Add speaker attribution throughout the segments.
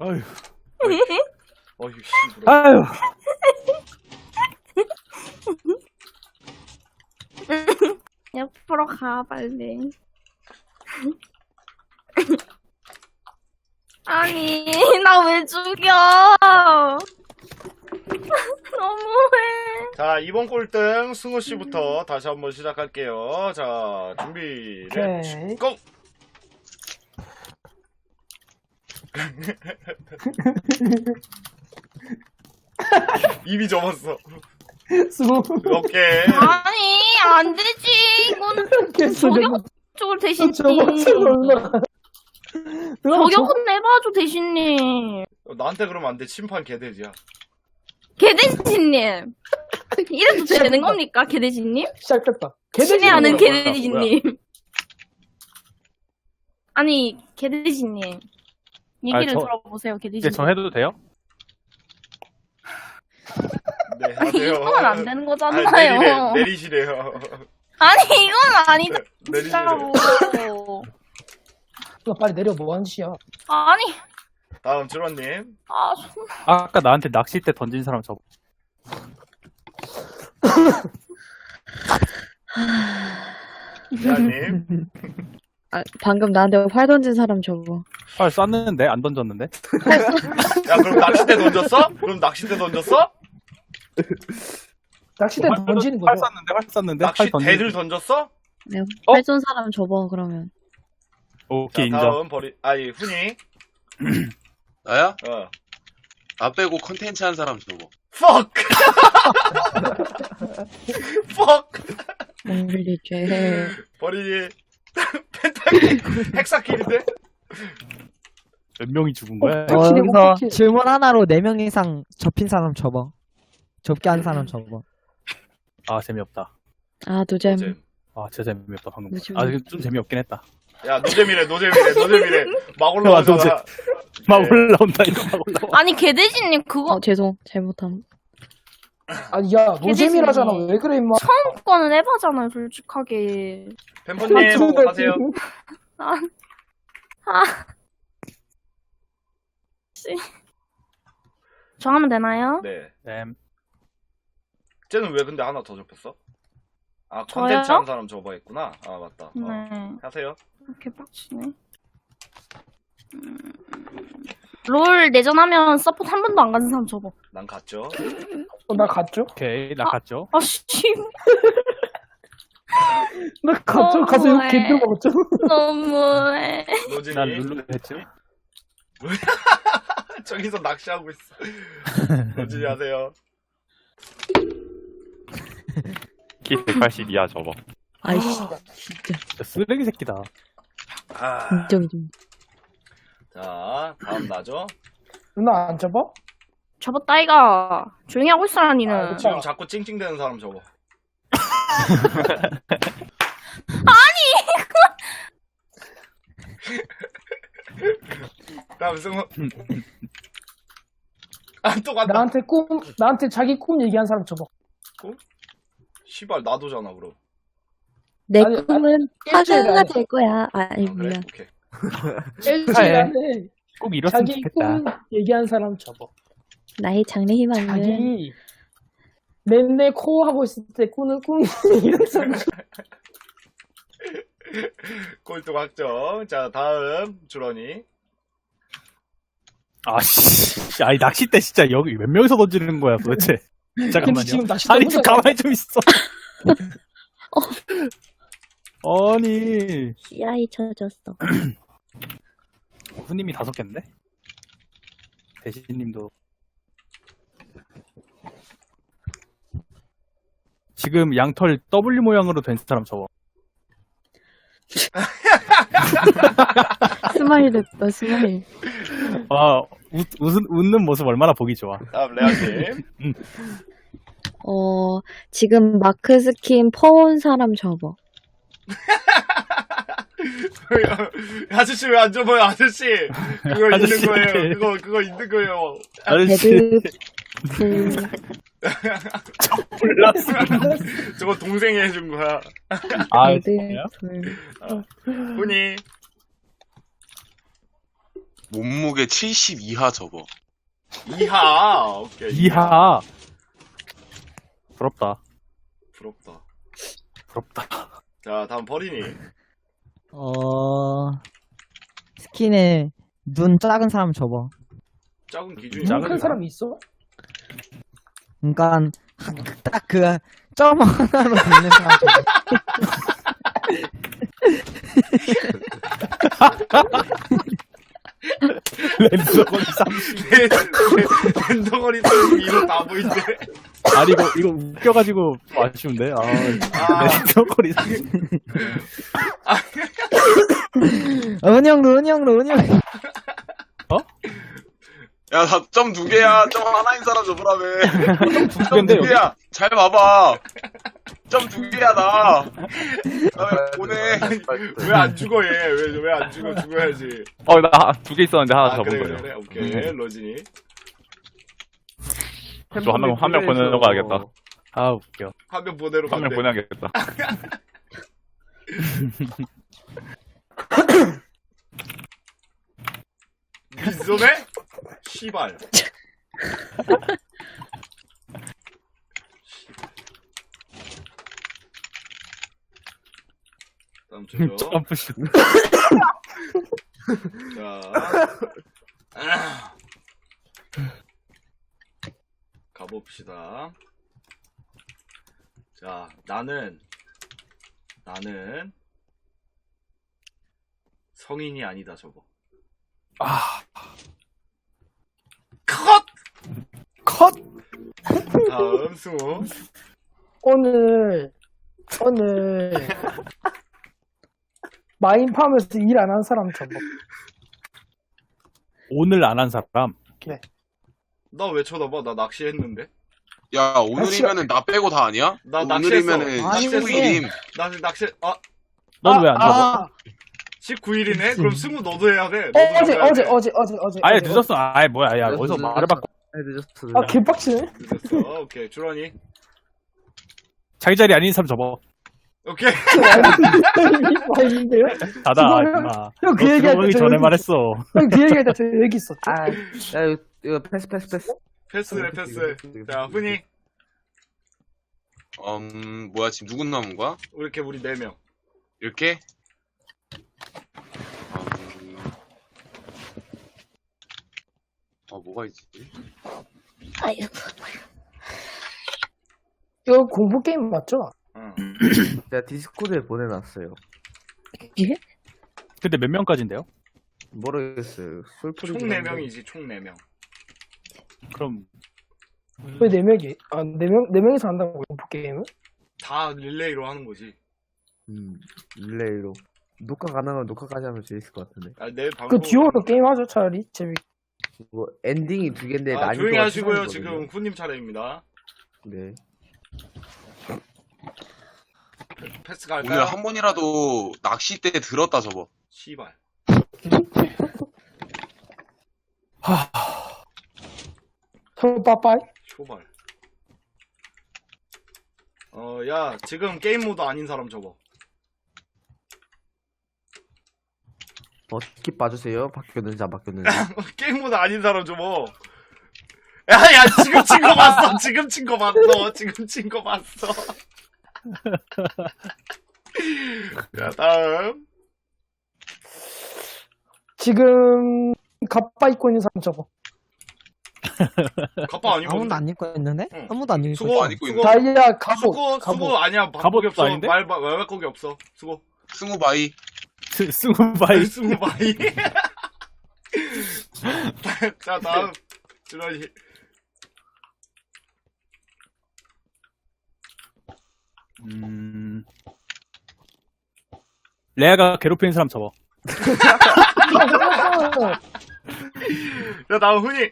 Speaker 1: 아유.
Speaker 2: 어휴, 씨.
Speaker 1: 아유.
Speaker 3: 옆으로 가, 빨리. 아니, 나 왜 죽여? 너무해.
Speaker 2: 자, 이번 꼴등 승우씨부터 다시 한번 시작할게요. 자, 준비, 렛츠 고! 이미 접었어.
Speaker 1: 수고.
Speaker 2: 오케이.
Speaker 3: 아니, 안 되지. 이거는 저격적으로 대신님. 저격은 내봐줘, 대신님.
Speaker 2: 나한테 그러면 안 돼. 심판 개돼지야.
Speaker 3: 개돼지님. 이래도 되는 겁니까, 개돼지님?
Speaker 1: 시작했다.
Speaker 3: 친애하는
Speaker 2: 뭐야,
Speaker 3: 개돼지님. 아니, 개돼지님. 얘기를 들어보세요, 개돼지님.
Speaker 4: 이제 저 해도 돼요?
Speaker 2: 네, 하세요.
Speaker 3: 이건 안 되는 거잖아요.
Speaker 2: 아니, 내리시래요.
Speaker 3: 아니, 이건 아니다.
Speaker 2: 내리시래요.
Speaker 3: 진짜로.
Speaker 1: 빨리 내려, 뭐 하는 짓이야.
Speaker 3: 아니,
Speaker 2: 다음, 주로님.
Speaker 4: 아까 나한테 낚싯대 던진 사람 저거.
Speaker 2: 대한님.
Speaker 5: 아, 방금 나한테 활 던진 사람 저거.
Speaker 4: 활 쐈는데 안 던졌는데?
Speaker 2: 야, 그럼 낚싯대 던졌어? 그럼 낚싯대 던졌어?
Speaker 1: 낚싯대 던지는
Speaker 4: 활
Speaker 1: 거죠.
Speaker 4: 쐈는데 활 쐈는데 활
Speaker 2: 낚싯대를 던졌어?
Speaker 5: 내가 활 쏜 사람 접어 그러면.
Speaker 4: 오케이
Speaker 2: 자,
Speaker 4: 인정.
Speaker 2: 다음, 아니, 훈이.
Speaker 6: 나야?
Speaker 2: 어.
Speaker 6: 나 빼고 컨텐츠 한 사람 저거.
Speaker 2: fuck! fuck!
Speaker 5: 몽글리 죄.
Speaker 2: 버리니. 펜타키 헥사킬인데?
Speaker 4: 몇 명이 죽은 거야?
Speaker 7: 여기서 질문 하나로 4명 이상 접힌 사람 접어. 접게 한 사람 접어.
Speaker 4: 아 재미없다.
Speaker 5: 아 노잼.
Speaker 2: 노잼.
Speaker 4: 아 진짜 재미없다 방금.
Speaker 5: 노잼.
Speaker 4: 아 좀 재미없긴 했다.
Speaker 2: 야, 노잼이래. 막 올라오잖아.
Speaker 4: 노잼. 막 올라온다 이거 막 올라와.
Speaker 3: 아니, 개돼지님, 그거
Speaker 5: 죄송 잘못함.
Speaker 1: 아니, 야, 노잼이라잖아. 왜 그래, 임마.
Speaker 3: 처음 거는 해봐잖아요, 솔직하게.
Speaker 2: 팬분님, 하세요.
Speaker 3: 저 하면 되나요?
Speaker 2: 네.
Speaker 4: 쌤.
Speaker 2: 쟤는 왜 근데 하나 더 접혔어? 아,
Speaker 3: 저요?
Speaker 2: 컨텐츠 한 사람 접어했구나. 아, 맞다.
Speaker 3: 네.
Speaker 2: 하세요.
Speaker 3: 이렇게 빡치네. 롤 내전하면 서포트 한 번도 안 가는 사람 접어.
Speaker 2: 난 갔죠.
Speaker 1: 나 갔죠?
Speaker 4: 오케이 나 갔죠.
Speaker 3: 아씨,
Speaker 1: 나 갔죠? 가서 욕
Speaker 3: 너무해.
Speaker 1: 개들 먹었죠?
Speaker 3: 너무해.
Speaker 2: 노진이.
Speaker 4: 난 룰루 했죠.
Speaker 2: 저기서 낚시하고 있어. 노진이 하세요.
Speaker 8: 키 182야 저거.
Speaker 5: 아이씨 진짜
Speaker 4: 진짜 쓰레기 새끼다.
Speaker 2: 아,
Speaker 5: 인정이좀.
Speaker 2: 자, 다음 나죠.
Speaker 1: 누나 안 접어?
Speaker 3: 접었다, 이가. 조용히 하고 있어라, 니는.
Speaker 1: 그쵸.
Speaker 2: 지금 자꾸 찡찡대는 사람 접어. 다음 승우. 아, 또 간다.
Speaker 1: 나한테 자기 꿈 얘기한 사람 접어.
Speaker 2: 시발, 나도잖아, 그럼.
Speaker 5: 내
Speaker 1: 아니,
Speaker 5: 꿈은
Speaker 1: 일주일에
Speaker 5: 화가가
Speaker 1: 아니-
Speaker 5: 될 거야. 아니
Speaker 2: 아, 그래?
Speaker 5: 뭐야.
Speaker 2: 오케이.
Speaker 1: 일주일에
Speaker 4: 꼭 이뤘으면
Speaker 1: 자기
Speaker 4: 좋겠다.
Speaker 1: 꿈 얘기한 사람 접어.
Speaker 5: 나의 장래 희망은
Speaker 1: 자기 맨날 코 하고 있을 때 꾸는 꿈 얘기한 사람 접어.
Speaker 2: 꼴등 확정. 자, 다음 주런이.
Speaker 4: 아씨. 아니 낚싯대 진짜 여기 몇 명이서 던지는 거야 도대체.
Speaker 1: 근데
Speaker 4: 잠깐만요.
Speaker 1: 지금 낚싯대
Speaker 4: 아니 좀
Speaker 1: 혼자
Speaker 4: 가만히 좀 있어. 아니
Speaker 5: 씨라이 쳐졌어.
Speaker 4: 후님이 5개인데? 대신님도 지금 양털 W 모양으로 된 사람 저거.
Speaker 5: 스마일 됐다 스마일.
Speaker 4: 아 웃는 모습 얼마나 보기 좋아.
Speaker 2: 다음 레아님.
Speaker 5: 지금 마크 스킨 퍼온 사람 접어.
Speaker 2: 아저씨 왜 안 접어요, 아저씨? 그거
Speaker 4: 아저씨.
Speaker 2: 있는 거예요. 그거 있는 거예요.
Speaker 4: 아저씨
Speaker 5: 배드
Speaker 4: 몰랐어.
Speaker 2: 저거 동생이 해준 거야.
Speaker 4: 아
Speaker 5: 배드
Speaker 4: 진짜요?
Speaker 5: 불.
Speaker 2: 훈이.
Speaker 6: 몸무게 70 이하 접어.
Speaker 2: 이하. 오케이.
Speaker 4: 이하. 부럽다.
Speaker 2: 부럽다.
Speaker 4: 부럽다.
Speaker 2: 자, 다음 버린이.
Speaker 7: 스킨에 눈 작은 사람 접어.
Speaker 2: 작은 기준이
Speaker 1: 눈
Speaker 2: 작은
Speaker 1: 큰 사람이 있어?
Speaker 7: 그러니까 딱 그 점 하나로 붙는 사람 접어.
Speaker 4: 랜덤거리 30.
Speaker 2: 랜덩어리 32로 다 보이는데.
Speaker 4: 아니, 이거 웃겨가지고 좀 아쉬운데? 랜덤거리 30.
Speaker 7: 은영로.
Speaker 6: 야, 나 점 2개야. 점 하나인 사람 접으라며.
Speaker 4: 두
Speaker 6: 점
Speaker 4: 개인데,
Speaker 6: 2개야. 잘 봐봐. 점 2개야, 나. 나 보내.
Speaker 2: 왜 안 죽어 얘? 왜 안 죽어? 죽어야지.
Speaker 8: 나 2개 있었는데 하나
Speaker 2: 아,
Speaker 8: 접은
Speaker 2: 그래
Speaker 8: 거예요.
Speaker 2: 그래. 오케이. 로진이.
Speaker 8: 저 한 명 보내러 가야겠다.
Speaker 4: 아, 웃겨.
Speaker 2: 한 명 보내러
Speaker 8: 한 명
Speaker 2: 간대.
Speaker 8: 보내야겠다.
Speaker 2: 미소네? 시발. 다음 주죠.
Speaker 4: 점프슛.
Speaker 2: 자. 가봅시다. 자, 나는 성인이 아니다, 저거. 컷! 다음 승우.
Speaker 1: 오늘 마인 파면서 일 안 한 사람 접어.
Speaker 4: 오늘 안 한 사람.
Speaker 2: 나 왜 쳐다봐? 나 낚시했는데.
Speaker 6: 야, 오늘이면은 나 빼고 다 아니야?
Speaker 2: 나 낚시했어.
Speaker 6: 오늘이면은
Speaker 2: 낚시했어.
Speaker 6: 19일임.
Speaker 2: 나 낚시.
Speaker 4: 넌 왜 안 잡아?
Speaker 2: 19일이네? 그럼 승우 너도 해야 돼. 너도 해야 돼.
Speaker 1: 어제.
Speaker 4: 아예 늦었어. 아예 뭐야. 야, 어디서 말을 바꿔.
Speaker 1: 아, 개빡치네.
Speaker 2: 늦었어. 오케이. 주런이.
Speaker 4: 자기 자리 아닌 사람 접어.
Speaker 2: 오케이.
Speaker 1: 마인인데요?
Speaker 4: 닫아,
Speaker 1: 그거는-
Speaker 4: 임마.
Speaker 1: 형,
Speaker 4: 너
Speaker 1: 그 얘기할
Speaker 4: 들어오기
Speaker 1: 때
Speaker 4: 전에
Speaker 1: 여기
Speaker 4: 말했어.
Speaker 1: 형, 그 얘기할 때 저 여기 있었죠?
Speaker 9: 야, 이거 패스.
Speaker 2: 패스래, 패스. 자, 훈이.
Speaker 6: 뭐야, 지금 누구 남은 거야?
Speaker 2: 이렇게 우리 4명.
Speaker 6: 이렇게? 뭐가 있지?
Speaker 3: 아이고.
Speaker 1: 이거 공포 게임 맞죠?
Speaker 2: 응.
Speaker 9: 제가 디스코드에 보내놨어요.
Speaker 1: 예?
Speaker 4: 근데 몇 명까지인데요?
Speaker 9: 모르겠어요.
Speaker 2: 총
Speaker 9: 솔플이긴 한데.
Speaker 2: 4명이지, 총 4명.
Speaker 4: 그럼
Speaker 1: 왜 4명이? 아, 4명이서 한다고, 공포 게임은?
Speaker 2: 다 릴레이로 하는 거지.
Speaker 9: 릴레이로. 녹화 가능하면 녹화까지 하면 재밌을 것 같은데.
Speaker 2: 내 방송.
Speaker 1: 그 듀오로 게임하죠, 차라리.
Speaker 9: 뭐, 엔딩이 2개인데, 난이도가
Speaker 2: 조용히 하시고요.
Speaker 9: 추천이거든요.
Speaker 2: 지금 훈님 차례입니다.
Speaker 9: 네.
Speaker 2: 패스 갈까요?
Speaker 6: 오늘 한 번이라도 낚싯대 들었다 접어.
Speaker 2: 씨발.
Speaker 1: 형, 빠빠이.
Speaker 2: 쇼발. 야, 지금 게임 모드 아닌 사람 접어.
Speaker 9: 스킵 봐주세요. 바뀌었는지 안 바뀌었는지.
Speaker 2: 게임 모드 아닌 사람 접어. 야, 지금 친 거 봤어. 지금 친 거 봤어. 지금 친 거 봤어. 자, 다음.
Speaker 1: 지금, 갑바 입고 있는 사람 접어.
Speaker 2: 갑바 아니고.
Speaker 7: 아무도 안 입고 있는데?
Speaker 2: 응.
Speaker 7: 아무도 안 입고 있어.
Speaker 2: 수고,
Speaker 6: 안 입고
Speaker 2: 수고.
Speaker 6: 있는데?
Speaker 1: 다이아, 갑옷.
Speaker 2: 수고 아니야.
Speaker 4: 갑옷도
Speaker 2: 바꾸기 없어.
Speaker 4: 아닌데?
Speaker 2: 말 바꾸기 없어. 수고.
Speaker 6: 승우바이.
Speaker 4: 승우바이.
Speaker 2: 스무바이. 자, 다음. 주라니.
Speaker 4: 레아가 괴롭히는 사람 접어.
Speaker 2: 야, 다음 훈이.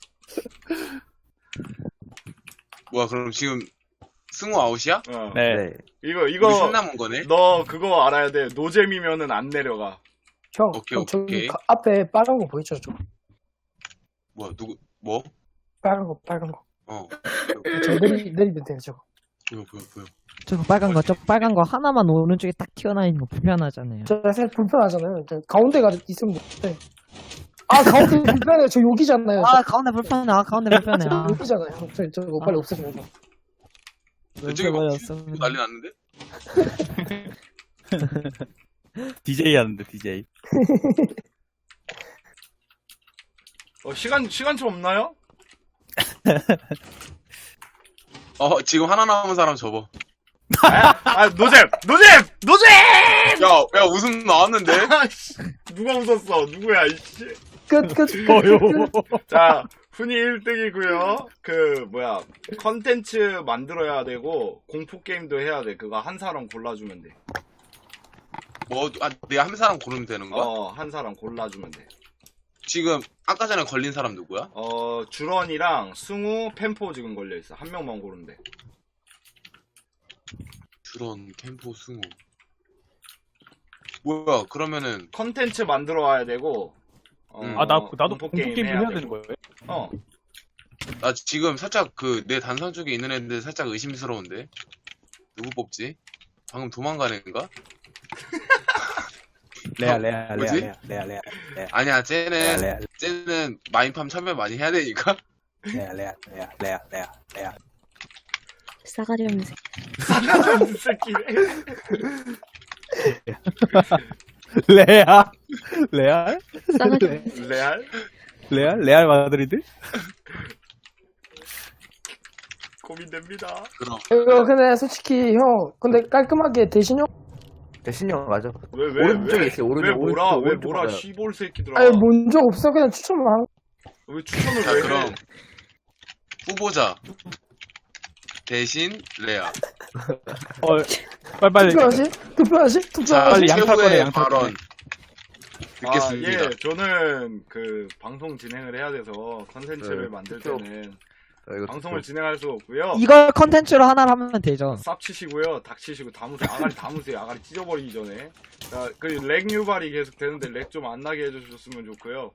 Speaker 6: 뭐야, 그럼 지금 승우 아웃이야?
Speaker 4: 네.
Speaker 9: 네.
Speaker 2: 이거,
Speaker 6: 우리 손 남은 거네?
Speaker 2: 너 그거 알아야 돼. 노잼이면은 안 내려가.
Speaker 1: 형,
Speaker 6: 오케이,
Speaker 1: 형, 저기
Speaker 6: 오케이.
Speaker 1: 앞에 빨간 거 보이죠? 저
Speaker 6: 뭐야, 뭐?
Speaker 1: 빨간 거. 저 내리면 돼요, 저거.
Speaker 6: 보여.
Speaker 7: 저거 빨간 거 하나만 오른쪽에 딱 튀어나와 있는 거 불편하잖아요.
Speaker 1: 저 사실 불편하잖아요. 저 가운데가 있으면 돼. 아, 가운데 불편해요. 저 여기잖아요.
Speaker 7: 아 가운데 불편해. 아 가운데 불편해. 아,
Speaker 1: 여기잖아요. 저거 빨리 없애줘요.
Speaker 6: 저기 막
Speaker 7: 버렸어.
Speaker 6: 난리 났는데?
Speaker 4: DJ 하는데 DJ.
Speaker 2: 시간초 없나요?
Speaker 6: 지금 하나 남은 사람 접어.
Speaker 2: 노잼!
Speaker 6: 야, 웃음 나왔는데?
Speaker 2: 아이씨, 누가 웃었어? 누구야, 이씨.
Speaker 1: 끝.
Speaker 2: 자, 훈이 1등이고요. 컨텐츠 만들어야 되고, 공포게임도 해야 돼. 그거 한 사람 골라주면 돼.
Speaker 6: 내가 한 사람 고르면 되는 거야?
Speaker 2: 한 사람 골라주면 돼.
Speaker 6: 지금, 아까 전에 걸린 사람 누구야?
Speaker 2: 주런이랑 승우, 펜포 지금 걸려있어. 한 명만 고르면 돼.
Speaker 6: 주런, 캠포, 승우. 뭐야, 그러면은,
Speaker 2: 컨텐츠 만들어 와야 되고,
Speaker 4: 나도
Speaker 2: 공포게임
Speaker 4: 공포게임
Speaker 2: 해야
Speaker 4: 해야
Speaker 2: 되고.
Speaker 4: 되는 거예요?
Speaker 6: 나 지금 살짝 내 단상 쪽에 있는 애들 살짝 의심스러운데? 누구 뽑지? 방금 도망가는 애인가?
Speaker 4: 레아.
Speaker 6: 뭐지?
Speaker 4: 레아.
Speaker 6: 아니야, 쟤는 마인팜 참여 많이 해야 되니까?
Speaker 4: 레아.
Speaker 5: 싸가지 없는 새끼.
Speaker 2: 이 새끼.
Speaker 4: 레알?
Speaker 5: 싸가지 없는
Speaker 2: 레알?
Speaker 4: 레알 마드리드?
Speaker 2: 고민됩니다.
Speaker 6: 그럼.
Speaker 1: 이거 근데 솔직히 형, 근데 깔끔하게
Speaker 9: 대신형 맞아.
Speaker 2: 왜
Speaker 9: 오른쪽에 있어요.
Speaker 2: 왜 뭐라
Speaker 9: 오른쪽 봐요.
Speaker 2: 시볼 새끼들아.
Speaker 1: 아니 뭔적 없어. 그냥 추천만 한.
Speaker 2: 왜 추천을
Speaker 6: 자,
Speaker 2: 왜 해?
Speaker 6: 그럼. 후보자. 대신, 레아.
Speaker 4: 빨리.
Speaker 1: 투표하시?
Speaker 6: 자,
Speaker 4: 빨리 양탈
Speaker 6: 최후의
Speaker 4: 거래, 양탈
Speaker 6: 발언.
Speaker 4: 거래.
Speaker 6: 듣겠습니다.
Speaker 2: 예, 저는 방송 진행을 해야 돼서 컨텐츠를
Speaker 9: 네,
Speaker 2: 만들
Speaker 9: 투표.
Speaker 2: 때는
Speaker 9: 이거
Speaker 2: 방송을 진행할 수 없고요.
Speaker 7: 이걸 컨텐츠로 하나를 하면 되죠.
Speaker 2: 쌉 치시고요, 닭 치시고 아가리 담으세요. 아가리 찢어버리기 전에. 자, 렉 유발이 계속 되는데 렉 좀 안 나게 해주셨으면 좋고요.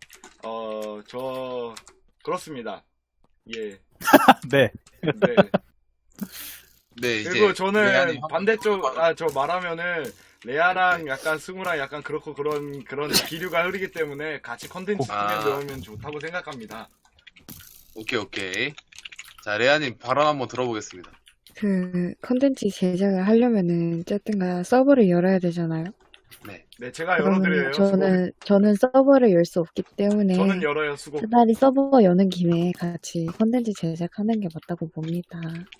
Speaker 2: 그렇습니다. 예.
Speaker 4: 네.
Speaker 2: 네.
Speaker 6: 네, 이제.
Speaker 2: 그리고 저는
Speaker 6: 레아님
Speaker 2: 반대쪽, 저 말하면은, 레아랑 약간 승우랑 약간 그렇고 그런 기류가 흐르기 때문에 같이 컨텐츠 팀에 넣으면 좋다고 생각합니다.
Speaker 6: 오케이. 자, 레아님 발언 한번 들어보겠습니다.
Speaker 5: 컨텐츠 제작을 하려면은 어쨌든가 서버를 열어야 되잖아요.
Speaker 2: 네, 제가 열어드려요.
Speaker 5: 그러면 저는 서버를 열 수 없기 때문에
Speaker 2: 저는 열어요, 수고.
Speaker 5: 차라리 서버 여는 김에 같이 컨텐츠 제작하는 게 맞다고 봅니다.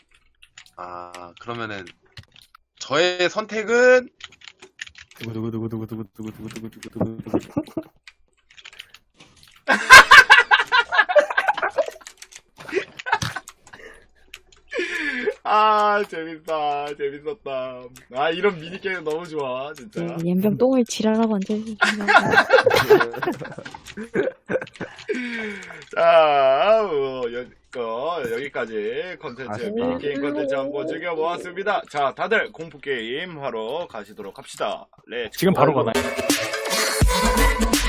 Speaker 6: 그러면은, 저의 선택은,
Speaker 4: 두구두구두구두구두구두구두구두구두구.
Speaker 2: 재밌었다. 이런 미니게임 너무 좋아, 진짜.
Speaker 5: 연병 똥을 지랄하고 앉아있는
Speaker 2: 자, 여기까지 컨텐츠, 미니게임 컨텐츠 한번 즐겨보았습니다. 자, 다들 공포게임 하러 가시도록 합시다. 렛츠
Speaker 4: 지금
Speaker 2: 고.
Speaker 4: 바로 가나요?